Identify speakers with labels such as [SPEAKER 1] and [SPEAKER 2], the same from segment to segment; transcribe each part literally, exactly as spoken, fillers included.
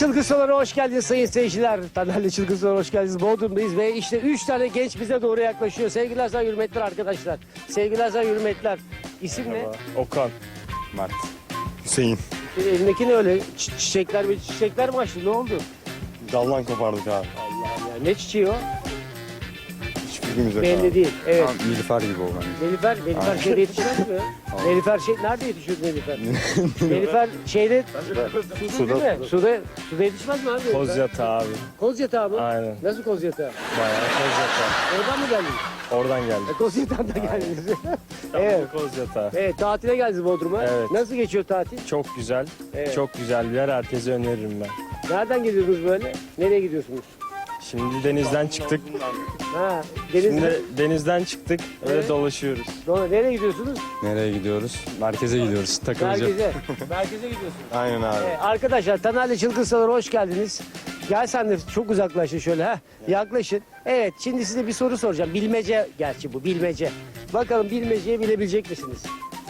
[SPEAKER 1] Çılgın Sular'a hoş geldiniz sayın seyirciler. Taner'le Çılgın Sular'a hoş geldiniz. Bodrum'dayız ve işte üç tane genç bize doğru yaklaşıyor. Sevgiler, saygı, hürmetler arkadaşlar. Sevgiler, saygı, hürmetler. İsim ne?
[SPEAKER 2] Okan. Mert. Hüseyin.
[SPEAKER 1] Elindeki ne öyle? Çi- çiçekler ve çiçekler mi açtı? Ne oldu?
[SPEAKER 2] Dallan kopardık abi.
[SPEAKER 1] Allah'ım ya. Ne çiçeği o?
[SPEAKER 2] Hiçbirimiz yok
[SPEAKER 1] Belli
[SPEAKER 2] abi.
[SPEAKER 1] değil. Evet.
[SPEAKER 2] Tamam, Nilüfer gibi o bence.
[SPEAKER 1] Nelifer, Nelifer
[SPEAKER 2] Aynen.
[SPEAKER 1] şeyde yetişmez mi? Nelifer şey, nerede yetişiyor Nelifer? Nelifer şeyde, suda değil mi? Suda, suda yetişmez mi abi? Nelifer?
[SPEAKER 2] Kozyatağı abi.
[SPEAKER 1] Kozyatağı mı?
[SPEAKER 2] Aynen.
[SPEAKER 1] Nasıl Kozyatağı?
[SPEAKER 2] Bayağı Kozyatağı.
[SPEAKER 1] Oradan mı geldiniz?
[SPEAKER 2] Oradan geldik.
[SPEAKER 1] E, Kozyatağı'nda geldiniz. evet.
[SPEAKER 2] Evet. Kozyatağı.
[SPEAKER 1] Evet, tatile geldiniz Bodrum'a.
[SPEAKER 2] Evet.
[SPEAKER 1] Nasıl geçiyor tatil?
[SPEAKER 2] Çok güzel.
[SPEAKER 1] Evet.
[SPEAKER 2] Çok güzel bir yer. Herkese öneririm ben.
[SPEAKER 1] Nereden geliyorsunuz böyle? Nereye gidiyorsunuz?
[SPEAKER 2] Şimdi denizden çıktık.
[SPEAKER 1] Ha, denizde.
[SPEAKER 2] Şimdi denizden çıktık. Öyle
[SPEAKER 1] Evet.
[SPEAKER 2] dolaşıyoruz.
[SPEAKER 1] Doğru, nereye gidiyorsunuz?
[SPEAKER 2] Nereye gidiyoruz? Merkeze gidiyoruz. Takılacağız.
[SPEAKER 1] Merkeze. Merkeze gidiyorsunuz.
[SPEAKER 2] Aynen abi.
[SPEAKER 1] Evet, arkadaşlar Taner'le Çılgın Sular'a hoş geldiniz. Gel sen de çok uzaklaşın şöyle ha. Yaklaşın. Evet, şimdi size bir soru soracağım. Bilmece gerçi bu bilmece. Bakalım bilmeceyi bilebilecek misiniz?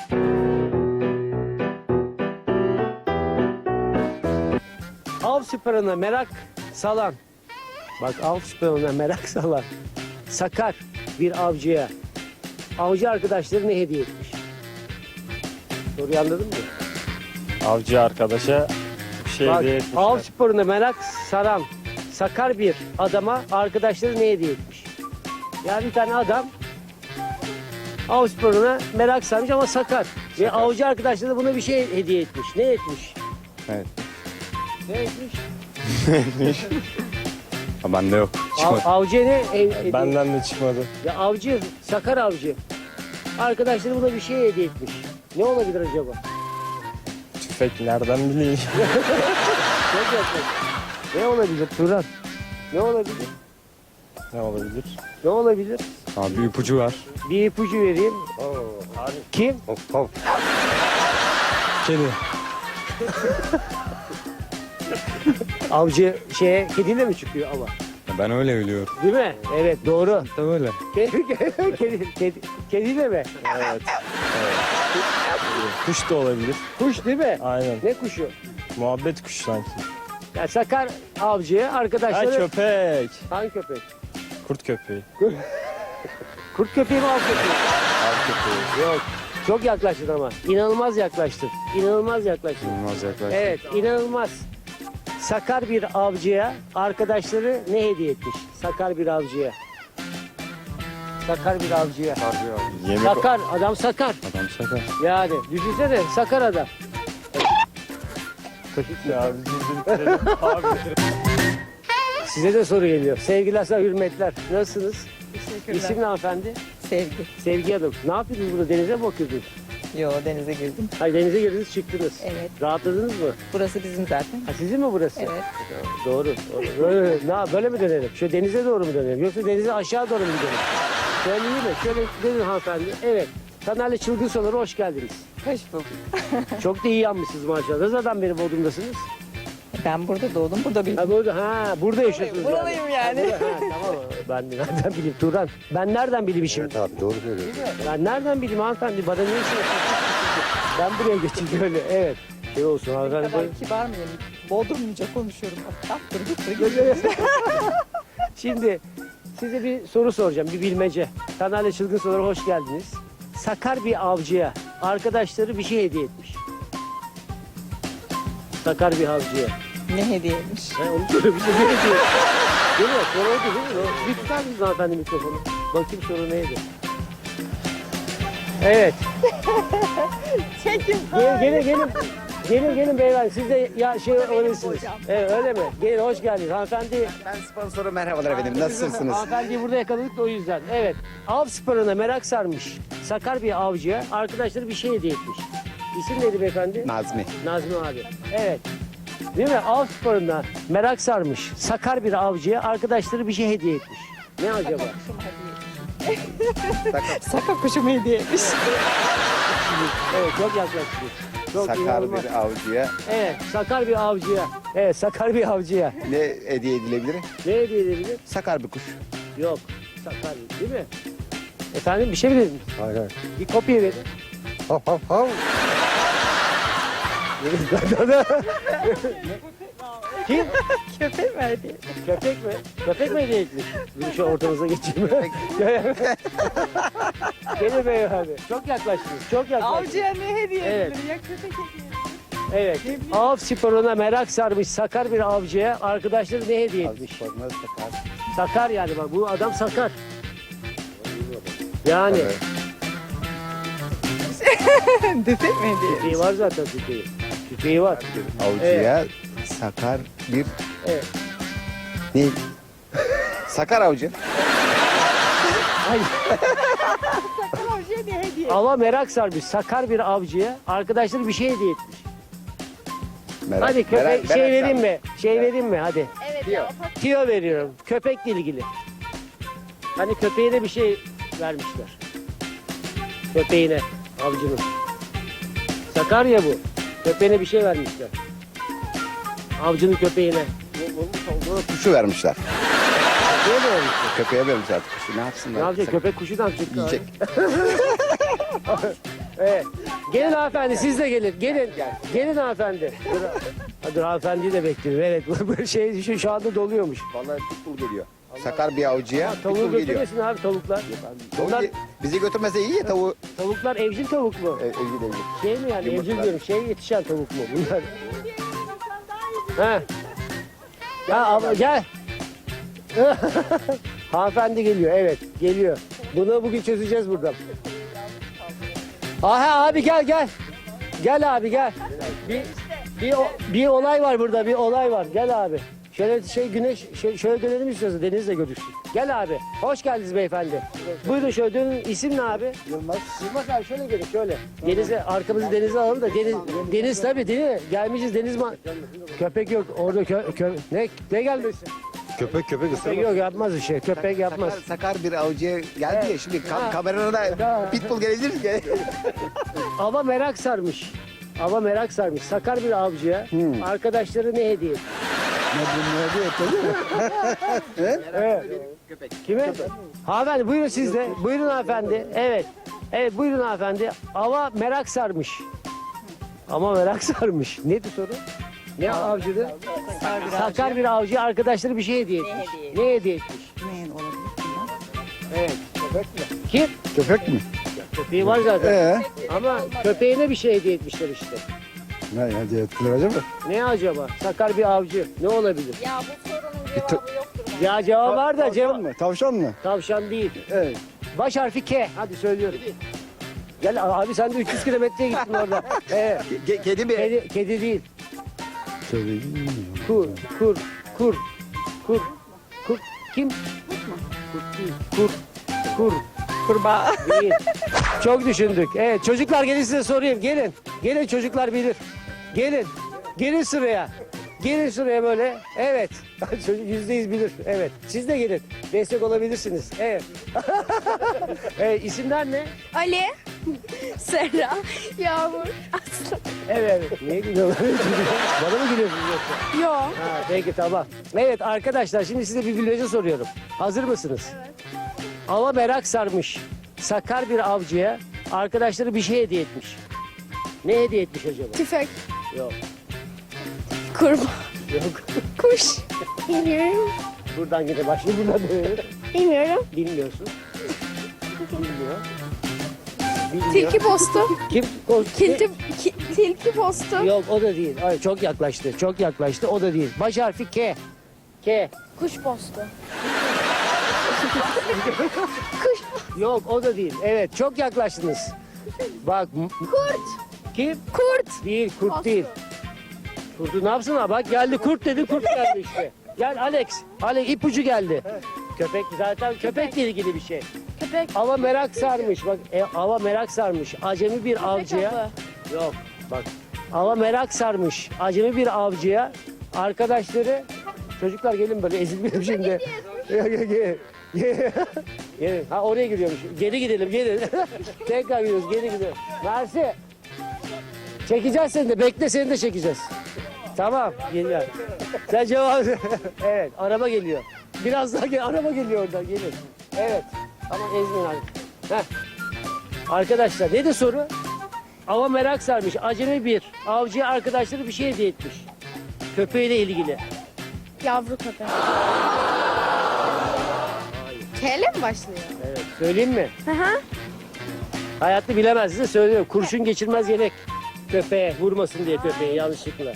[SPEAKER 1] Av sporuna merak salan. Bak, av sporuna merak salan. Sakar bir avcıya. Avcı arkadaşları ne hediye etmiş? Soruyu anladın mı?
[SPEAKER 2] Avcı arkadaşa bir şey
[SPEAKER 1] Bak,
[SPEAKER 2] hediye
[SPEAKER 1] av
[SPEAKER 2] etmişler.
[SPEAKER 1] sporuna merak saran sakar bir adama arkadaşları ne hediye etmiş? Yani bir tane adam av sporuna merak sarmış ama sakar. Ve avcı arkadaşları da buna bir şey hediye etmiş. Ne etmiş?
[SPEAKER 2] Evet.
[SPEAKER 1] Ne etmiş?
[SPEAKER 2] Ha, bende yok.
[SPEAKER 1] Av, avcı ne he- hediye?
[SPEAKER 2] Benden de çıkmadı.
[SPEAKER 1] Ya avcı, sakar avcı. Arkadaşları buna bir şey hediye etmiş. Ne olabilir acaba?
[SPEAKER 2] Tüfek nereden bileyim?
[SPEAKER 1] Çok yakın. Ne olabilir Turan? Ne olabilir?
[SPEAKER 2] Ne olabilir?
[SPEAKER 1] Ne olabilir?
[SPEAKER 2] Abi bir ipucu var.
[SPEAKER 1] Bir ipucu vereyim. Kim?
[SPEAKER 2] Kedi.
[SPEAKER 1] Avcı şeye kediyle mi çıkıyor ama?
[SPEAKER 2] Ben öyle biliyorum.
[SPEAKER 1] Değil mi? Evet, doğru.
[SPEAKER 2] Tabii öyle.
[SPEAKER 1] Kedi, kedi, kedi, kediyle mi?
[SPEAKER 2] Evet. Kuş da olabilir.
[SPEAKER 1] Kuş değil mi?
[SPEAKER 2] Aynen.
[SPEAKER 1] Ne kuşu?
[SPEAKER 2] Muhabbet kuşu sanki.
[SPEAKER 1] Ya sakar avcıya
[SPEAKER 2] Ha
[SPEAKER 1] arkadaşları...
[SPEAKER 2] köpek.
[SPEAKER 1] Hangi köpek?
[SPEAKER 2] Kurt köpeği.
[SPEAKER 1] Kurt köpeği mi av köpeği?
[SPEAKER 2] Av köpeği.
[SPEAKER 1] Yok. Çok yaklaştın ama. İnanılmaz yaklaştın. İnanılmaz yaklaştın.
[SPEAKER 2] Bulmaz yaklaşık.
[SPEAKER 1] Evet, inanılmaz. Sakar bir avcıya arkadaşları ne hediye etmiş? Sakar bir avcıya. Sakar bir avcıya.
[SPEAKER 2] Yemek
[SPEAKER 1] Sakar, adam sakar.
[SPEAKER 2] Adam sakar.
[SPEAKER 1] Yani düşünsene, sakar adam.
[SPEAKER 2] Ya biz bitirelim. Abi.
[SPEAKER 1] Size de soru geliyor. Sevgiler, saygı, hürmetler. Nasılsınız?
[SPEAKER 3] Teşekkürler.
[SPEAKER 1] İsim ne hanımefendi?
[SPEAKER 3] Sevgi.
[SPEAKER 1] Sevgi Hanım. Ne yapıyordunuz burada? Denize mi bakıyordunuz?
[SPEAKER 3] Yo, denize girdim.
[SPEAKER 1] Hayır, denize girdiniz, çıktınız.
[SPEAKER 3] Evet.
[SPEAKER 1] Rahatladınız mı?
[SPEAKER 3] Burası bizim zaten.
[SPEAKER 1] Ha, sizin mi burası?
[SPEAKER 3] Evet.
[SPEAKER 1] Doğru. doğru. Böyle, ne, böyle mi dönelim? Şöyle denize doğru mu dönelim? Yoksa denize aşağı doğru mu gidelim? Şöyle iyi mi? Şöyle dönün hanımefendi. Evet. Taner'le Çılgın Sular'a hoş geldiniz.
[SPEAKER 3] Hoş bulduk.
[SPEAKER 1] Çok da iyi yanmışsınız maşallah. Ne zaman beri Bodrum'dasınız?
[SPEAKER 3] Ben burada doğdum, burada büyüdüm.
[SPEAKER 1] Ha burada, ha, burada yaşıyorsunuz.
[SPEAKER 3] Buralıyım yani.
[SPEAKER 1] Ha, burada, ha, tamam. Ben de nereden bileyim Turan? Ben nereden bileyim şimdi?
[SPEAKER 4] Evet abi doğru söylüyorsun.
[SPEAKER 1] Ben nereden bileyim hanımefendi? Bana ne işin var? Ben buraya geçeyim böyle. Evet. Şey olsun
[SPEAKER 3] Ne
[SPEAKER 1] hanımefendi.
[SPEAKER 3] kadar kibar mıyım? Bodrumluca konuşuyorum. Attır gittır.
[SPEAKER 1] Şimdi size bir soru soracağım. Bir bilmece. Taner'le Çılgın Sular'a hoş geldiniz. Sakar bir avcıya arkadaşları bir şey hediye etmiş. Sakar bir avcıya.
[SPEAKER 3] Ne hediyeymiş?
[SPEAKER 1] Ha, onu söyle bir şey ne hediye? Değil mi? Soru oydu değil mi? Bir tutar mısınız hanımefendi mikrofonu? Bakayım soru neydi? Evet.
[SPEAKER 3] Çekin.
[SPEAKER 1] Gelin gelin gelin. Gelin gelin beyler. Siz de ya şey öylesiniz.
[SPEAKER 3] hocam.
[SPEAKER 1] Evet öyle mi? Gelin hoş geldiniz. Hanımefendi.
[SPEAKER 4] Ben sponsoru merhabalar efendim. Nasılsınız?
[SPEAKER 1] Hanımefendiyi burada yakaladık da o yüzden. Evet. Av sporuna merak sarmış. Sakar bir avcıya arkadaşları bir şey hediye etmiş. İsim neydi beyefendi?
[SPEAKER 4] Nazmi.
[SPEAKER 1] Nazmi abi. Evet. Değil mi? Av sporuna merak sarmış. Sakar bir avcıya arkadaşları bir şey hediye etmiş. Ne acaba?
[SPEAKER 3] Saka kuşumu hediyeymiş.
[SPEAKER 1] Evet çok yaklaştık. Çok
[SPEAKER 4] Sakar
[SPEAKER 1] inanılmaz.
[SPEAKER 4] bir avcıya
[SPEAKER 1] Evet sakar bir avcıya. Evet sakar bir avcıya.
[SPEAKER 4] ne hediye edilebilir?
[SPEAKER 1] Ne hediye edebilir?
[SPEAKER 4] Sakar bir kuş.
[SPEAKER 1] Yok. Sakar değil mi? Efendim bir şey mi dediniz?
[SPEAKER 4] Hayır hayır.
[SPEAKER 1] Bir kopya verin.
[SPEAKER 4] Hav hav hav.
[SPEAKER 1] Kim?
[SPEAKER 3] Köpek mi hediye?
[SPEAKER 1] Köpek mi? Köpek mi hediye etmiş? Bir şu ortanıza geçeyim. Gelin beyefendi. Çok yaklaştınız. Çok yaklaştınız.
[SPEAKER 3] Avcıya ne hediye
[SPEAKER 1] Evet.
[SPEAKER 3] edilir ya köpek hediye.
[SPEAKER 1] Evet. Av sporuna merak sarmış sakar bir avcıya arkadaşları ne hediye
[SPEAKER 4] Av
[SPEAKER 1] etmiş?
[SPEAKER 4] sporuna sakar.
[SPEAKER 1] Sakar yani bak bu adam sakar. Yani
[SPEAKER 4] Evet.
[SPEAKER 3] Köpek mi hediye?
[SPEAKER 1] tüfeği var zaten tüfeği. Tüfeği var.
[SPEAKER 4] Avcıya sakar bir
[SPEAKER 1] Evet.
[SPEAKER 4] ne? Sakar avcı.
[SPEAKER 1] Hayır.
[SPEAKER 3] Sakın avcıya ne hediye?
[SPEAKER 1] Ava merak sarmış sakar bir avcıya arkadaşları bir şey hediye etmiş.
[SPEAKER 4] Merak,
[SPEAKER 1] Hadi köpek
[SPEAKER 4] merak-
[SPEAKER 1] şey
[SPEAKER 4] merak
[SPEAKER 1] vereyim
[SPEAKER 4] sarmış.
[SPEAKER 1] mi? Şey vereyim mi? Hadi.
[SPEAKER 5] Evet
[SPEAKER 4] Diyor.
[SPEAKER 5] ya.
[SPEAKER 1] Tiyo veriyorum. Köpekle ilgili. Hani köpeğine bir şey vermişler. Köpeğine, avcının. Sakarya bu. Köpeğine bir şey vermişler. Avcının köpeğine.
[SPEAKER 4] Buna kuşu vermişler.
[SPEAKER 1] Köpeğe mi vermişler?
[SPEAKER 4] Köpeğe vermişler artık kuşu. Ne yapsınlar?
[SPEAKER 1] Ne yapacak? Köpek kuşu ne yapacak?
[SPEAKER 4] Yiyecek.
[SPEAKER 1] Evet. Gelin hanımefendi siz de gelin. Gelin. Gelin hanımefendi. Dur, ha, dur hanımefendiyi de bekliyorum. Evet bu şey şu, şu anda doluyormuş.
[SPEAKER 4] Vallahi pitbull geliyor. Sakar bir avcıya
[SPEAKER 1] Tavuğu
[SPEAKER 4] pitbull geliyor.
[SPEAKER 1] götürmesin abi tavuklar.
[SPEAKER 4] Tavuğu
[SPEAKER 1] Bunlar,
[SPEAKER 4] ge- bizi götürmese iyi ya tavuğu.
[SPEAKER 1] tavuklar evcil tavuk mu?
[SPEAKER 4] E, evcil evcil.
[SPEAKER 1] Şey mi yani
[SPEAKER 4] Yumurtlar.
[SPEAKER 1] evcil diyorum şey yetişen tavuk mu bunlar? He. Ya abla gel. Hanımefendi geliyor evet geliyor. Bunu bugün çözeceğiz buradan. Aha abi gel gel. Gel abi gel. Bir, bir, o- bir olay var burada bir olay var. Gel abi. Şöyle şey güneş şey, şöyle dönelim istiyorsa Deniz'le görüşsün. Gel abi. Hoş geldiniz beyefendi. Buyurun şöyle dönün. İsim ne abi? Yılmaz. Yılmaz abi şöyle gelin şöyle. Denize arkamızı denize alalım da deniz deniz tabii değil mi? Gelmişiz deniz ma köpek yok. Orada kö, kö ne ne gelmesin?
[SPEAKER 4] Köpek köpek
[SPEAKER 1] Köpek yok yapmaz bir şey. Köpek yapmaz.
[SPEAKER 4] Sakar, sakar bir avcıya geldi ya şimdi
[SPEAKER 1] Ha.
[SPEAKER 4] kam kamerada
[SPEAKER 1] Ha.
[SPEAKER 4] pitbull gelebilir mi?
[SPEAKER 1] Ava merak sarmış. Ava merak sarmış. Sakar bir avcıya arkadaşları ne hediye? Evet. Kime? Hanımefendi buyurun siz de. Buyurun hanımefendi. Evet. Evet buyurun hanımefendi. Ava merak sarmış. Ama merak sarmış. Neydi soru? Ne avcıydı? Sakar bir avcı arkadaşları bir şey hediye etmiş.
[SPEAKER 5] hediye
[SPEAKER 1] Ne hediye etmiş?
[SPEAKER 3] Neyin olabilir bunlar?
[SPEAKER 1] Evet. Köpek mi? Kim?
[SPEAKER 4] Köpek mi?
[SPEAKER 1] Köpeği var zaten.
[SPEAKER 4] Ee?
[SPEAKER 1] Ama köpeğine bir şey hediye etmişler işte.
[SPEAKER 4] Ne hediye ettiler acaba?
[SPEAKER 1] Ne acaba? Sakar bir avcı. Ne olabilir?
[SPEAKER 5] Ya bu sorunun cevabı yoktur. bence.
[SPEAKER 1] Ya cevap var da cevap.
[SPEAKER 4] mı? Tavşan mı?
[SPEAKER 1] Tavşan değil.
[SPEAKER 4] Evet.
[SPEAKER 1] Baş harfi K. Hadi söylüyorum. Gel abi sen de üç yüz kilometreye gittin orada. Evet.
[SPEAKER 4] Ke- kedi mi?
[SPEAKER 1] Kedi, kedi değil. Kur, kur, kur, kur, kur. Kim? Kurt değil. Kur, kur
[SPEAKER 3] Kurbağa.
[SPEAKER 1] değil. Çok düşündük. Evet çocuklar gelin size sorayım. Gelin. Gelin çocuklar bilir. Gelin. Gelin sıraya. Gelin sıraya böyle. Evet. Çocuk yüzde yüz bilir. Evet. Siz de gelin. Destek olabilirsiniz. Evet. Evet isimler ne?
[SPEAKER 5] Ali, Serra, Yağmur, Aslı.
[SPEAKER 1] Evet. evet. Niye gülüyorlar? Bana mı gülüyorsunuz yoksa?
[SPEAKER 5] Yo.
[SPEAKER 1] Ha, peki tamam. Evet arkadaşlar şimdi size bir bilmece soruyorum. Hazır mısınız? Evet. Ava merak sarmış. Sakar bir avcıya arkadaşları bir şey hediye etmiş. Ne hediye etmiş acaba?
[SPEAKER 5] Tüfek,
[SPEAKER 1] Yok.
[SPEAKER 5] kurbağa,
[SPEAKER 1] Yok.
[SPEAKER 5] kuş. Bilmiyorum.
[SPEAKER 1] Buradan gide başlayın buradan dönelim.
[SPEAKER 5] Bilmiyorum.
[SPEAKER 1] Bilmiyorsun. Bilmiyor. Bilmiyor.
[SPEAKER 5] Tilki postu.
[SPEAKER 1] Kim? Ko-
[SPEAKER 5] Tilki, ki, tilki postu.
[SPEAKER 1] Yok o da değil. Hayır, çok yaklaştı. Çok yaklaştı. O da değil. Baş harfi K. K.
[SPEAKER 5] Kuş postu.
[SPEAKER 1] Yok o da değil. Evet çok yaklaştınız. Bak. m-
[SPEAKER 5] Kurt.
[SPEAKER 1] Kim?
[SPEAKER 5] Kurt.
[SPEAKER 1] Değil kurt
[SPEAKER 5] Postu.
[SPEAKER 1] değil. Kurtu ne yapsın ha? Bak geldi kurt dedi kurt geldi işte. Gel Alex. Alex ipucu geldi. Köpek zaten köpekle ilgili bir şey.
[SPEAKER 5] Köpek.
[SPEAKER 1] Ava merak sarmış. Bak e, ava merak sarmış. Acemi bir avcıya.
[SPEAKER 5] avı.
[SPEAKER 1] Yok bak. Ava merak sarmış. Acemi bir avcıya. Arkadaşları çocuklar gelin böyle ezilmeyelim şimdi. Gel gel gel. Gel. Gelin. Ha oraya gidiyormuş. Geri gidelim gelin. Tekrar gidiyoruz geri gidiyoruz. Mersi. Çekeceğiz seni de. Bekle seni de çekeceğiz. Tamam. Geliyor. Sen cevap evet. Araba geliyor. Biraz daha gel. Araba geliyor oradan. Gelin. Evet. Ama ezmeyin abi. Heh. Arkadaşlar ne de soru? Ava merak sarmış. Acemi bir avcıya arkadaşları bir şey hediye etmiş. Köpeğiyle ilgili.
[SPEAKER 5] Yavru köpek. K ile mi başlıyor?
[SPEAKER 1] Evet. Söyleyeyim mi?
[SPEAKER 5] Hı hı.
[SPEAKER 1] Hayatta bilemez size söylüyorum. Kurşun geçirmez yelek. Köpeğe vurmasın diye köpeği yanlışlıkla.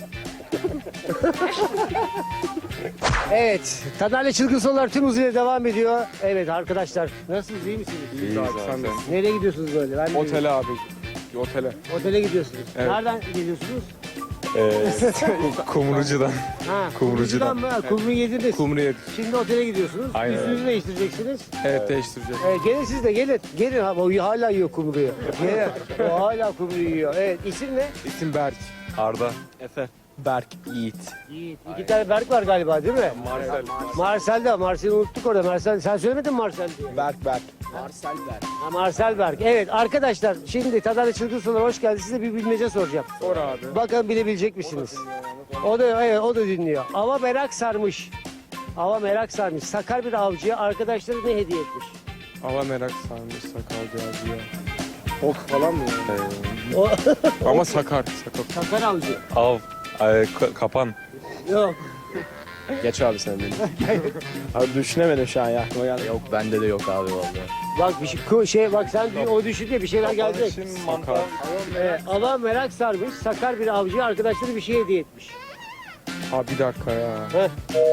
[SPEAKER 1] Evet. Taner'le Çılgın Sorular tüm hızıyla devam ediyor. Evet arkadaşlar. Nasılsınız? İyi misiniz?
[SPEAKER 2] İyiyiz abi, sen de.
[SPEAKER 1] Nereye gidiyorsunuz böyle? Ben de bilmiyorum.
[SPEAKER 2] Otele abi. Otele.
[SPEAKER 1] Otele gidiyorsunuz.
[SPEAKER 2] Evet.
[SPEAKER 1] Nereden geliyorsunuz?
[SPEAKER 2] Ee, Kumrucu'dan.
[SPEAKER 1] Ha,
[SPEAKER 2] Kumrucu'dan.
[SPEAKER 1] mı? Ha, Kumru yediniz.
[SPEAKER 2] Kumru yedik.
[SPEAKER 1] Şimdi otele gidiyorsunuz.
[SPEAKER 2] Aynen
[SPEAKER 1] Üstünüzü
[SPEAKER 2] öyle.
[SPEAKER 1] değiştireceksiniz.
[SPEAKER 2] Evet, değiştireceğiz.
[SPEAKER 1] Evet, gelin siz de gelin. Gelin ha, o hala yiyor kumruyu. Gelin. O hala kumruyu yiyor. Evet, isim ne?
[SPEAKER 2] İsim Berk. Arda. Efe. Berk Yiğit.
[SPEAKER 1] Yiğit. İki tane Berk var galiba değil mi?
[SPEAKER 2] Marcel.
[SPEAKER 1] Marcel de. Marcel'i unuttuk orada. Marcel. Sen söylemedin mi Marcel diye?
[SPEAKER 2] Berk Berk.
[SPEAKER 1] Ha, Marcel Berk. Evet arkadaşlar şimdi Tadar'la Çılgın Sorular hoş geldiniz. Size bir bilmece soracağım.
[SPEAKER 2] Sor abi.
[SPEAKER 1] Bakalım bilebilecek misiniz? O da evet o da dinliyor. Ava merak sarmış. Ava merak sarmış. Sakar bir avcıya arkadaşları ne hediye etmiş?
[SPEAKER 2] Ava merak sarmış sakal abi ya. Ok falan mı yani?
[SPEAKER 1] O
[SPEAKER 2] Ama sakar. Sakar.
[SPEAKER 1] Sakar avcı.
[SPEAKER 2] Av. kapan.
[SPEAKER 1] Yok.
[SPEAKER 2] Geç abi sen beni. Abi düşünemedim şu an ya. Aklıma geldi.
[SPEAKER 6] Yok bende de yok abi vallahi.
[SPEAKER 1] Bak bir şey, ku- şey bak sen bir- o düşün diye bir şeyler gelecek.
[SPEAKER 2] Sakar.
[SPEAKER 1] Evet, ava merak sarmış. Sakar bir avcıya arkadaşları bir şey hediye etmiş.
[SPEAKER 2] Abi bir dakika ya.
[SPEAKER 1] Heh.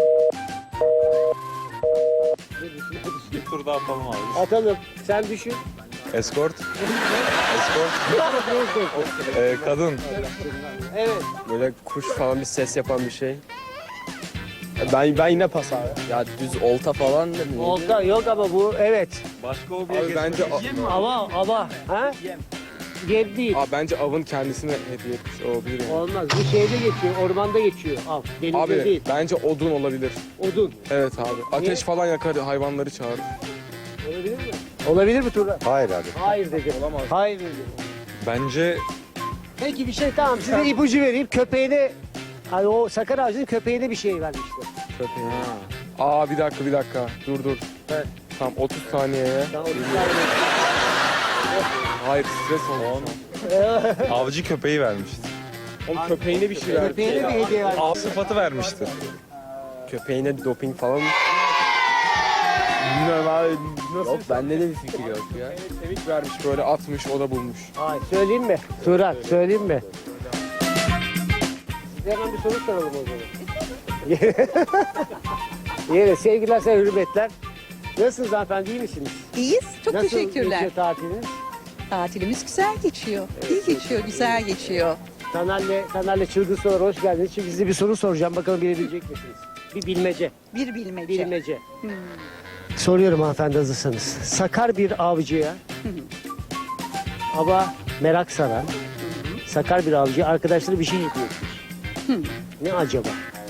[SPEAKER 2] Bir tur daha atalım abi.
[SPEAKER 1] Atalım. Sen düşün.
[SPEAKER 2] Escort. Ee, kadın.
[SPEAKER 1] Evet.
[SPEAKER 2] Böyle kuş falan bir ses yapan bir şey. Ben ben yine pas abi.
[SPEAKER 6] Ya düz olta falan da ne?
[SPEAKER 1] Olta yok ama bu evet.
[SPEAKER 2] Başka o Abi bence
[SPEAKER 1] Ava ava. Ha? Yem değil.
[SPEAKER 2] Abi bence avın kendisine hediye etmiş olabilir yani.
[SPEAKER 1] Olmaz. Bu şeyde geçiyor. Ormanda geçiyor. Av. Denizde
[SPEAKER 2] Abi
[SPEAKER 1] değil.
[SPEAKER 2] bence odun olabilir.
[SPEAKER 1] Odun.
[SPEAKER 2] Evet abi. Ateş
[SPEAKER 1] Niye?
[SPEAKER 2] falan yakar, hayvanları çağırır.
[SPEAKER 1] Olabilir mi? Olabilir mi Turan?
[SPEAKER 4] Hayır abi.
[SPEAKER 1] Hayır dedi.
[SPEAKER 2] Olamaz.
[SPEAKER 1] Hayır dedi.
[SPEAKER 2] Bence
[SPEAKER 1] Peki bir şey tamam size ipucu vereyim. Köpeğine hani o sakar ağacının köpeğine bir şey vermişler.
[SPEAKER 2] köpeği. Aa bir dakika bir dakika. Dur dur.
[SPEAKER 1] Evet.
[SPEAKER 2] Tam otuz saniyeye.
[SPEAKER 1] Daha otuz saniye.
[SPEAKER 2] Hayır stres oldu.
[SPEAKER 7] Avcı köpeği vermiştir.
[SPEAKER 2] Oğlum köpeğine bir şey verdi.
[SPEAKER 1] Köpeğine bir hediye vermiş.
[SPEAKER 7] Av sıfatı vermiştir.
[SPEAKER 2] Köpeğine doping falan mı? Bilmiyorum abi. Nasıl?
[SPEAKER 6] Yok bende de bir fikir yok ya.
[SPEAKER 2] Kemik vermiş böyle atmış o da bulmuş.
[SPEAKER 1] Hayır söyleyeyim mi? Turan söyleyeyim mi? Size hemen bir soru soralım o zaman. Yine sevgiler size hürmetler. Nasılsınız hanımefendi iyi misiniz?
[SPEAKER 8] İyiyiz. Çok
[SPEAKER 1] Nasıl
[SPEAKER 8] teşekkürler.
[SPEAKER 1] geçiyor tatiliniz?
[SPEAKER 8] Tatilimiz güzel geçiyor. İyi geçiyor, güzel geçiyor.
[SPEAKER 1] Taner'le, Taner'le Çılgın Sorular hoş geldiniz. Şimdi size bir soru soracağım. Bakalım bilebilecek misiniz? Bir bilmece.
[SPEAKER 8] Bir bilmece.
[SPEAKER 1] Bilmece. Soruyorum hanımefendi hazırsanız. Sakar bir avcıya ama merak saran sakar bir avcıya arkadaşları bir şey hediye etmiş. Ne acaba?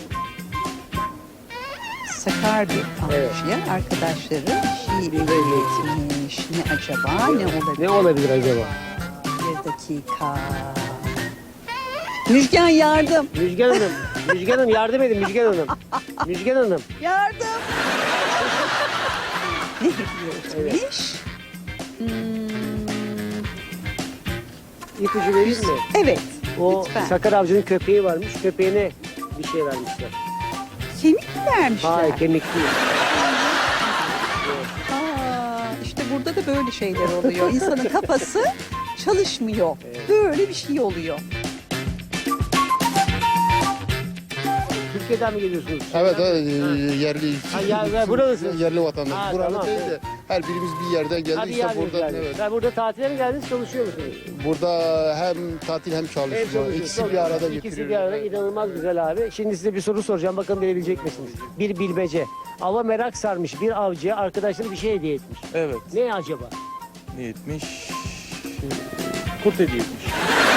[SPEAKER 8] Sakar bir avcıya arkadaşları bir şey etmiş. Ne acaba? Ne olabilir?
[SPEAKER 1] Ne olabilir acaba?
[SPEAKER 8] Bir dakika. Müjgan yardım.
[SPEAKER 1] Müjgan Hanım, Müjgan Hanım yardım edin Müjgan Hanım. Müjgan Hanım.
[SPEAKER 8] Yardım. ne hediye etmiş? Hmm,
[SPEAKER 1] İpucu vereyim mi?
[SPEAKER 8] evet.
[SPEAKER 1] O
[SPEAKER 8] Lütfen.
[SPEAKER 1] sakar avcının köpeği varmış. Köpeğine bir şey vermişler.
[SPEAKER 8] Kemik mi vermişler?
[SPEAKER 1] Hayır kemik değil.
[SPEAKER 8] Aa, işte burada da böyle şeyler oluyor. İnsanın kafası çalışmıyor. Böyle bir şey oluyor.
[SPEAKER 1] Türkiye'den mi geliyorsunuz?
[SPEAKER 9] Evet, evet yerli.
[SPEAKER 1] Ha, yer- yer- buralısınız.
[SPEAKER 9] Yerli vatandaş.
[SPEAKER 1] Ha,
[SPEAKER 9] Buralı
[SPEAKER 1] tamam,
[SPEAKER 9] değil
[SPEAKER 1] evet.
[SPEAKER 9] de her birimiz bir yerden geldik.
[SPEAKER 1] Hadi
[SPEAKER 9] işte
[SPEAKER 1] geldiniz
[SPEAKER 9] burada
[SPEAKER 1] geldiniz.
[SPEAKER 9] evet.
[SPEAKER 1] Ben burada tatile mi geldiniz, çalışıyor musunuz?
[SPEAKER 9] Burada hem tatil hem
[SPEAKER 1] Hem
[SPEAKER 9] çalışma.
[SPEAKER 1] çalışıyorsunuz.
[SPEAKER 9] İkisi bir arada
[SPEAKER 1] İkisi
[SPEAKER 9] getiriyoruz.
[SPEAKER 1] bir arada inanılmaz güzel abi. Şimdi size bir soru soracağım. Bakalım bilebilecek misiniz? Bir bilmece. Ava merak sarmış bir avcıya arkadaşları bir şey hediye etmiş.
[SPEAKER 2] Evet.
[SPEAKER 1] Ne acaba?
[SPEAKER 2] Ne etmiş? Kurt hediye etmiş.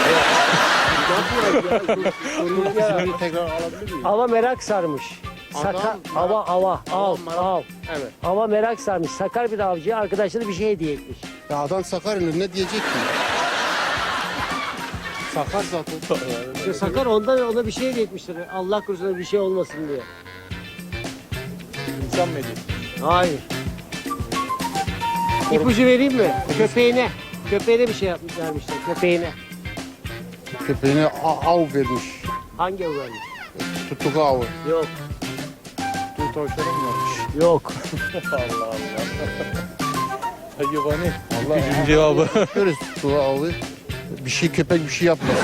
[SPEAKER 9] Soruyu tekrar alabilir miyim?
[SPEAKER 1] Ava merak sarmış. Saka,
[SPEAKER 9] Adam,
[SPEAKER 1] ava, ava, av,
[SPEAKER 9] merak-
[SPEAKER 1] av.
[SPEAKER 9] Evet.
[SPEAKER 1] Ava merak sarmış. Sakar bir avcıya arkadaşları bir şey hediye etmiş.
[SPEAKER 9] Ya adam Sakarya'nın ne diyecek ki? Sakar zaten.
[SPEAKER 1] İşte Sakar ondan ona bir şey hediye etmiştir. Allah korusun bir şey olmasın diye.
[SPEAKER 2] İnsan mı hediye?
[SPEAKER 1] Hayır. İpucu vereyim mi? Köpeğine. Köpeğine bir şey yapmış vermişler. Köpeğine.
[SPEAKER 9] Köpeğine a- av vermiş.
[SPEAKER 1] Hangi av vermiş?
[SPEAKER 9] Tuttuk avı.
[SPEAKER 1] Yok.
[SPEAKER 7] tavşanı mı varmış?
[SPEAKER 1] Yok.
[SPEAKER 7] Hayvani.
[SPEAKER 9] Allah
[SPEAKER 7] Gücün cevabı.
[SPEAKER 9] Görürüz su avı. Bir şey köpek bir şey yapmasın.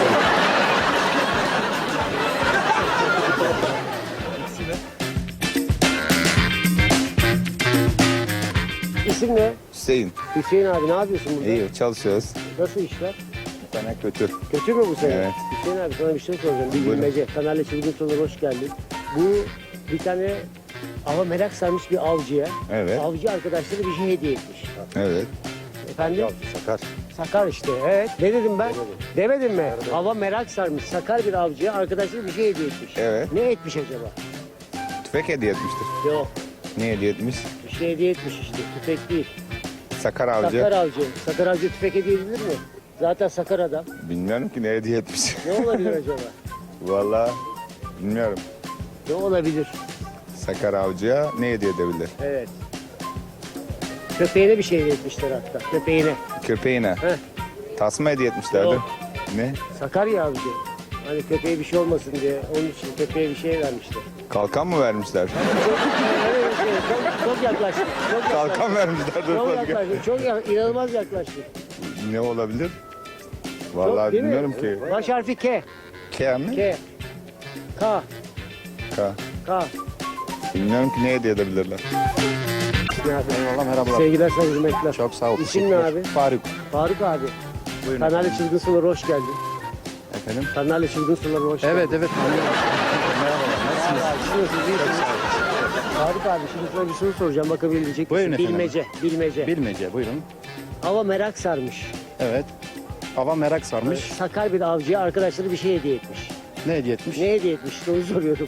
[SPEAKER 1] İsim ne?
[SPEAKER 10] Hüseyin.
[SPEAKER 1] Hüseyin abi ne yapıyorsun burada?
[SPEAKER 10] İyi çalışıyoruz.
[SPEAKER 1] Nasıl işler?
[SPEAKER 10] Bir tane kötü.
[SPEAKER 1] Kötü mü bu sene?
[SPEAKER 10] Evet.
[SPEAKER 1] Hüseyin abi sana bir şey soracağım. Bir
[SPEAKER 10] Buyurun.
[SPEAKER 1] bilmece. Kanalya Çılgın Sorular hoş geldin. Bu bir tane ama merak sarmış bir avcıya.
[SPEAKER 10] Evet.
[SPEAKER 1] Avcı arkadaşları bir şey hediye etmiş.
[SPEAKER 10] Evet.
[SPEAKER 1] Efendim?
[SPEAKER 10] Sakar.
[SPEAKER 1] Sakar işte. Evet. Ne dedim ben? Demedim mi? Hava merak sarmış. Sakar bir avcıya arkadaşları bir şey hediye etmiş.
[SPEAKER 10] Evet.
[SPEAKER 1] Ne etmiş acaba?
[SPEAKER 10] Tüfek hediye etmiştir.
[SPEAKER 1] Yok.
[SPEAKER 10] Ne hediye etmiş?
[SPEAKER 1] Bir şey hediye etmiş işte. Tüfek değil.
[SPEAKER 10] Sakar avcı.
[SPEAKER 1] Sakar avcı. Sakar avcı tüfek hediye edilir mi? Zaten sakar adam.
[SPEAKER 10] Bilmiyorum ki ne hediye etmiş.
[SPEAKER 1] Ne olabilir acaba?
[SPEAKER 10] Vallahi bilmiyorum.
[SPEAKER 1] Ne olabilir?
[SPEAKER 10] Sakar avcıya ne hediye edebilir?
[SPEAKER 1] Evet. Köpeğine bir şey hediye etmişler hatta. Köpeğine.
[SPEAKER 10] Köpeğine.
[SPEAKER 1] Heh.
[SPEAKER 10] Tasma hediye etmişlerdi.
[SPEAKER 1] Yok.
[SPEAKER 10] Ne?
[SPEAKER 1] Sakarya avcı. Hani köpeğe bir şey olmasın diye onun için köpeğe bir şey vermişler.
[SPEAKER 10] Kalkan mı vermişler?
[SPEAKER 1] Evet, evet, çok, çok yaklaştık. Çok yaklaştık.
[SPEAKER 10] Kalkan vermişler.
[SPEAKER 1] Çok yaklaştık. Çok ya- inanılmaz yaklaştık.
[SPEAKER 10] Ne olabilir?
[SPEAKER 1] Çok,
[SPEAKER 10] Vallahi
[SPEAKER 1] değil mi?
[SPEAKER 10] bilmiyorum ki.
[SPEAKER 1] Baş harfi K.
[SPEAKER 10] K mi?
[SPEAKER 1] K. K.
[SPEAKER 10] K.
[SPEAKER 1] K.
[SPEAKER 10] Bilmiyorum ki ne hediye edebilirler.
[SPEAKER 4] Eyvallah merhabalar.
[SPEAKER 1] Sevgiler, saygılar, hürmetler.
[SPEAKER 4] Çok sağ ol.
[SPEAKER 1] İsim ne abi?
[SPEAKER 4] Faruk.
[SPEAKER 1] Faruk abi.
[SPEAKER 4] Buyurun.
[SPEAKER 1] Kanalya Çılgın Sular'a hoş geldin.
[SPEAKER 4] Efendim?
[SPEAKER 1] Kanalya Çılgın Sular'a hoş geldin.
[SPEAKER 4] Evet evet.
[SPEAKER 1] Merhaba, siz nasılsınız? İyi misiniz? Faruk abi şimdi sana bir soru soracağım bakabilecek
[SPEAKER 4] Buyurun
[SPEAKER 1] misin?
[SPEAKER 4] efendim.
[SPEAKER 1] Bilmece, bilmece.
[SPEAKER 4] Bilmece buyurun.
[SPEAKER 1] Hava merak sarmış.
[SPEAKER 4] Evet. Hava merak sarmış.
[SPEAKER 1] Sakar bir avcıya arkadaşları bir şey hediye etmiş.
[SPEAKER 4] Ne hediye etmiş?
[SPEAKER 1] Ne hediye etmiş? İşte onu soruyorum.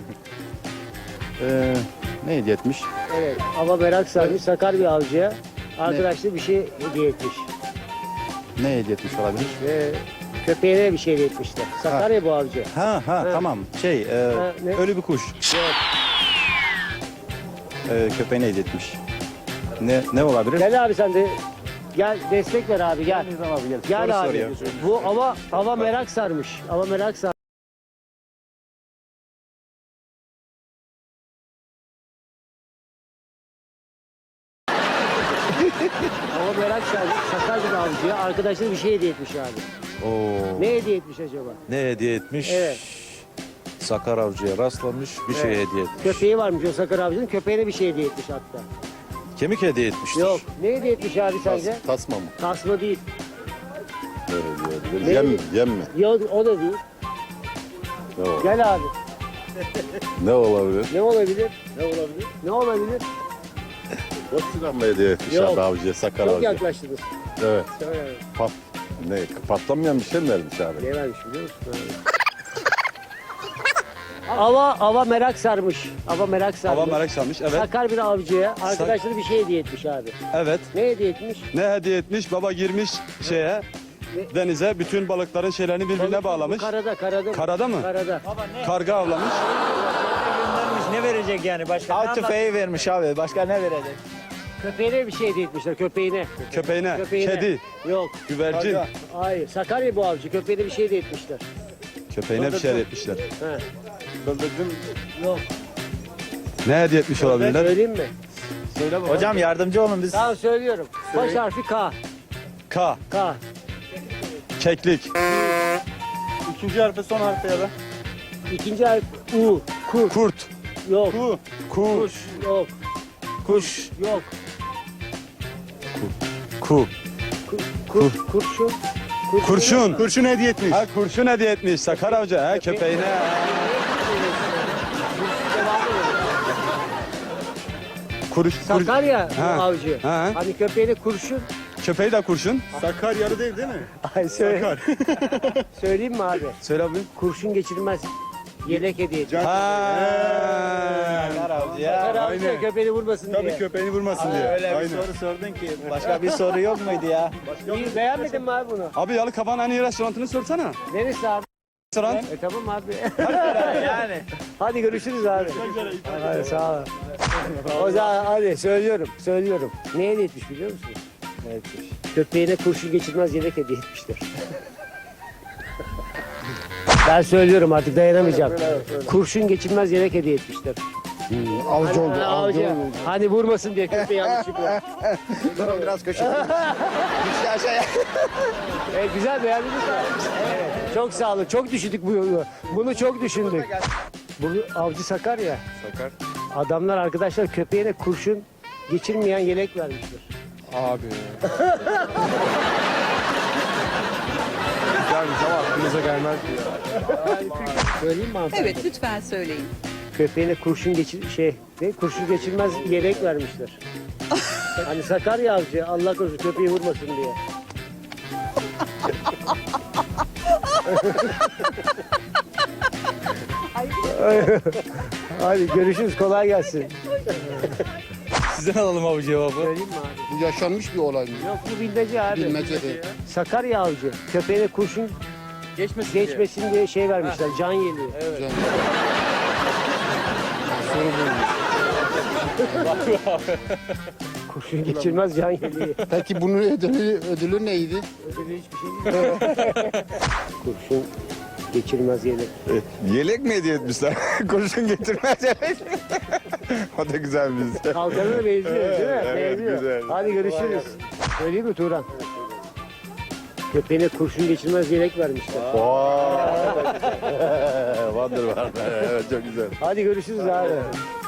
[SPEAKER 4] Ee, ne hediye etmiş?
[SPEAKER 1] Evet, hava merak sarmış. Sakar bir avcıya arkadaşları bir şey hediye etmiş.
[SPEAKER 4] Ne hediye etmiş olabilir?
[SPEAKER 1] Ve köpeğine bir şey hediye etmişler. Sakar ya bu avcı.
[SPEAKER 4] Ha ha,
[SPEAKER 1] Ha.
[SPEAKER 4] tamam. Şey, e,
[SPEAKER 1] Ha, ne?
[SPEAKER 4] ölü bir kuş.
[SPEAKER 1] Evet.
[SPEAKER 4] E, köpeğine hediye etmiş. Ne ne olabilir?
[SPEAKER 1] Gel abi sen de. Gel destek ver abi gel.
[SPEAKER 4] Nizam abi gel.
[SPEAKER 1] Gel
[SPEAKER 4] Soru
[SPEAKER 1] abi.
[SPEAKER 4] soruyor.
[SPEAKER 1] Bu hava hava merak sarmış. Hava merak sarmış. Hava merak sarmış. Sakar bir avcıya arkadaşları bir şey hediye etmiş abi.
[SPEAKER 7] Oo.
[SPEAKER 1] Ne hediye etmiş acaba?
[SPEAKER 7] Ne hediye etmiş?
[SPEAKER 1] Evet.
[SPEAKER 7] Sakar avcıya rastlamış, bir şey
[SPEAKER 1] Evet.
[SPEAKER 7] hediye etmiş.
[SPEAKER 1] Köpeği varmış o Sakar avcının. Köpeğine bir şey hediye etmiş hatta.
[SPEAKER 7] Kemik hediye etmiştir.
[SPEAKER 1] Yok. Ne hediye etmiş abi sence?
[SPEAKER 9] Tasma mı?
[SPEAKER 1] Tasma değil.
[SPEAKER 9] Ne hediye edilir?
[SPEAKER 1] Ne?
[SPEAKER 9] Yem mi? Yem mi?
[SPEAKER 1] Yok o da değil.
[SPEAKER 9] Ne, ol-
[SPEAKER 1] Gel abi.
[SPEAKER 9] ne olabilir?
[SPEAKER 1] Ne olabilir?
[SPEAKER 9] Ne olabilir?
[SPEAKER 1] Ne olabilir?
[SPEAKER 9] Boşçudan mı hediye etmiş
[SPEAKER 1] Yok.
[SPEAKER 9] avcıya, sakar
[SPEAKER 1] Çok
[SPEAKER 9] avcı?
[SPEAKER 1] yaklaştınız.
[SPEAKER 9] Evet.
[SPEAKER 1] Söyle.
[SPEAKER 9] Pat, ne, patlamayan bir şey mi vermiş abi?
[SPEAKER 1] Ne vermiş biliyor musun? Ava, ava merak sarmış. Ava merak sarmış.
[SPEAKER 7] Hava merak sarmış, evet.
[SPEAKER 1] Sakar bir avcıya arkadaşları bir şey hediye etmiş abi.
[SPEAKER 7] Evet.
[SPEAKER 1] Ne hediye etmiş?
[SPEAKER 7] Ne hediye etmiş? Baba girmiş şeye,
[SPEAKER 1] Ne?
[SPEAKER 7] denize, bütün balıkların şeylerini birbirine
[SPEAKER 1] Balık-
[SPEAKER 7] bağlamış.
[SPEAKER 1] Karada, karada. mı?
[SPEAKER 7] Karada mı?
[SPEAKER 1] Karada.
[SPEAKER 7] Karga avlamış.
[SPEAKER 3] Ne verecek yani başka?
[SPEAKER 6] Av tüfeği vermiş abi. Başka ne verecek?
[SPEAKER 1] Köpeğine bir şey hediye etmişler, köpeğine.
[SPEAKER 7] Köpeğine,
[SPEAKER 1] Köpeğine.
[SPEAKER 7] kedi,
[SPEAKER 1] Yok.
[SPEAKER 7] güvercin.
[SPEAKER 1] Hayır, Sakarya bu avcı. Köpeğine bir şey hediye etmişler.
[SPEAKER 7] Köpeğine bir şey hediye etmişler.
[SPEAKER 1] He.
[SPEAKER 9] Bıldırcın
[SPEAKER 1] Yok.
[SPEAKER 7] Ne hediye etmiş olabilirler?
[SPEAKER 1] Söyleyeyim mi?
[SPEAKER 6] Hocam yardımcı olun biz.
[SPEAKER 1] Tamam söylüyorum. Baş harfi K.
[SPEAKER 7] K,
[SPEAKER 1] K.
[SPEAKER 7] keklik.
[SPEAKER 6] İkinci harfi son harfi ya da.
[SPEAKER 1] İkinci harf U. Kur.
[SPEAKER 7] Kurt,
[SPEAKER 1] Yok.
[SPEAKER 7] ku,
[SPEAKER 1] Kuş. Yok.
[SPEAKER 7] kuş,
[SPEAKER 1] Yok.
[SPEAKER 7] ku.
[SPEAKER 1] Kur, kur, kurşun. Kurşun.
[SPEAKER 7] Kurşun.
[SPEAKER 4] Kurşun hediye etmiş.
[SPEAKER 7] Ha kurşun hediye etmiş Sakar avcı. Ha köpeğine. Kuruş, kur,
[SPEAKER 1] Sakarya bu
[SPEAKER 7] Ha.
[SPEAKER 1] avcı.
[SPEAKER 7] Ha.
[SPEAKER 1] Hani köpeğine kurşun.
[SPEAKER 7] köpeği de kurşun.
[SPEAKER 4] Sakar yarı değil değil mi?
[SPEAKER 1] Ay söyle. Söyleyeyim mi abi?
[SPEAKER 7] Söyle abi.
[SPEAKER 1] Kurşun geçirmez. Yelek hediye etmiş.
[SPEAKER 7] Ha.
[SPEAKER 1] Sakar avcı köpeğini vurmasın diye.
[SPEAKER 4] köpeğini vurmasın diye.
[SPEAKER 6] Öyle bir soru sordun ki. Başka bir soru yok muydu ya?
[SPEAKER 1] İyi, beğenmedin mi abi bunu?
[SPEAKER 7] Abi Yalıkavak'ın en iyi restoranını sorsana.
[SPEAKER 1] Neresi abi?
[SPEAKER 7] Restoran.
[SPEAKER 1] E tamam abi.
[SPEAKER 6] Yani.
[SPEAKER 1] Hadi görüşürüz abi. Hadi sağ ol. O zaman hadi söylüyorum, söylüyorum. Ne hediye etmiş biliyor musun? Ne etmiş? Köpeğine kurşun geçirmez yelek hediye etmişler. Ben söylüyorum artık dayanamayacağım. Kurşun geçirmez yelek hediye etmişler.
[SPEAKER 9] Avcı oldu.
[SPEAKER 1] Hani,
[SPEAKER 9] Avcı
[SPEAKER 1] avcı.
[SPEAKER 9] oldu.
[SPEAKER 1] Hani vurmasın diye köpeği yanlışlıkla.
[SPEAKER 6] Biraz köşe. Bir şey aşağıya.
[SPEAKER 1] Evet, güzel beğendiniz mi? Evet. Çok sağ olun. Çok düşündük bu yolu. Bunu çok düşündük. Bu avcı Sakar ya.
[SPEAKER 2] Sakar.
[SPEAKER 1] Adamlar arkadaşlar köpeğine kurşun geçirmeyen yelek vermişler.
[SPEAKER 2] Abi. Güzelmiş ama aklınıza gelmez mi ya?
[SPEAKER 1] Söyleyeyim mi hanımefendi?
[SPEAKER 8] Evet lütfen söyleyin.
[SPEAKER 1] Köpeğine kurşun geçir şey ne kurşun geçirmez yelek vermişler. Hani Sakarya avcı Allah korusun köpeği vurmasın diye. Hadi görüşürüz kolay gelsin.
[SPEAKER 6] Sizden alalım abi cevabı.
[SPEAKER 1] Söyleyeyim mi abi?
[SPEAKER 9] Bu yaşanmış bir olay mı?
[SPEAKER 1] Yok bu bilmece abi.
[SPEAKER 9] Bilmece de.
[SPEAKER 1] Sakarya avcı köpeğine kurşun
[SPEAKER 2] Geçmesin diye.
[SPEAKER 1] geçmesin diye şey vermişler can yeleği.
[SPEAKER 9] Can. Soru buymuş.
[SPEAKER 1] Kurşun geçirmez can yeleği.
[SPEAKER 9] Peki bunun ödülü, ödülü neydi?
[SPEAKER 1] Öyle hiçbir şey değil. Kurşun geçirmez yelek.
[SPEAKER 10] Yelek mi hediye etmişler? Kurşun getirmez yelek. O da güzel bir
[SPEAKER 1] Kalkanına benziyor değil mi?
[SPEAKER 10] Evet,
[SPEAKER 1] benziyor.
[SPEAKER 10] güzel.
[SPEAKER 1] Hadi görüşürüz. Söyleyeyim mi Turan? Köpeğine kurşun geçirmez yelek vermişler.
[SPEAKER 10] Wonder var. Evet çok güzel.
[SPEAKER 1] Hadi görüşürüz abi.